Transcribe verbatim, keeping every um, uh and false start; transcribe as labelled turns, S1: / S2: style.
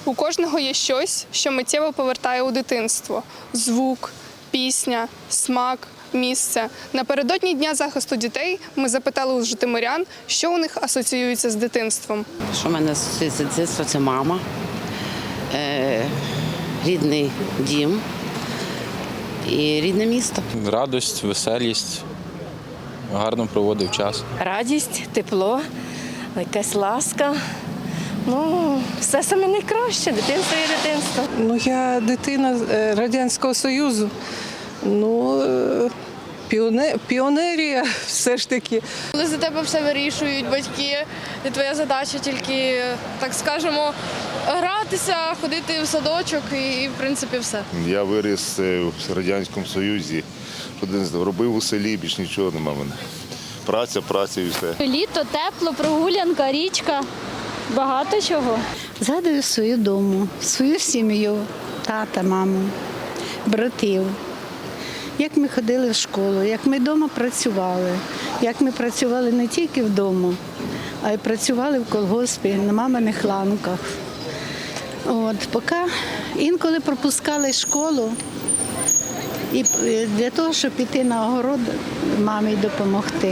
S1: У кожного є щось, що миттєво повертає у дитинство: звук, пісня, смак, місце. Напередодні Дня захисту дітей ми запитали у житомирян, що у них асоціюється з дитинством.
S2: Що в мене асоціюється з дитинства – це мама, е, рідний дім і рідне місто.
S3: Радость, веселість, гарно проводив час.
S4: Радість, тепло, якась ласка. Ну, все саме найкраще, дитинство є дитинство.
S5: Ну, я дитина е, Радянського Союзу. Ну, е, піоне, піонерія все ж таки.
S6: Коли за тебе все вирішують батьки, і твоя задача тільки, так скажемо, гратися, ходити в садочок і, в принципі, все.
S7: Я виріс в Радянському Союзі, робив у селі, більш нічого нема в мене. Праця, праця і все.
S8: Літо, тепло, прогулянка, річка, багато чого.
S9: Згадую свою дому, свою сім'ю, тата, маму, братів. Як ми ходили в школу, як ми вдома працювали, як ми працювали не тільки вдома, а й працювали в колгоспі, на маминих ланках. От, поки інколи пропускали школу і для того, щоб піти на огород мамі допомогти.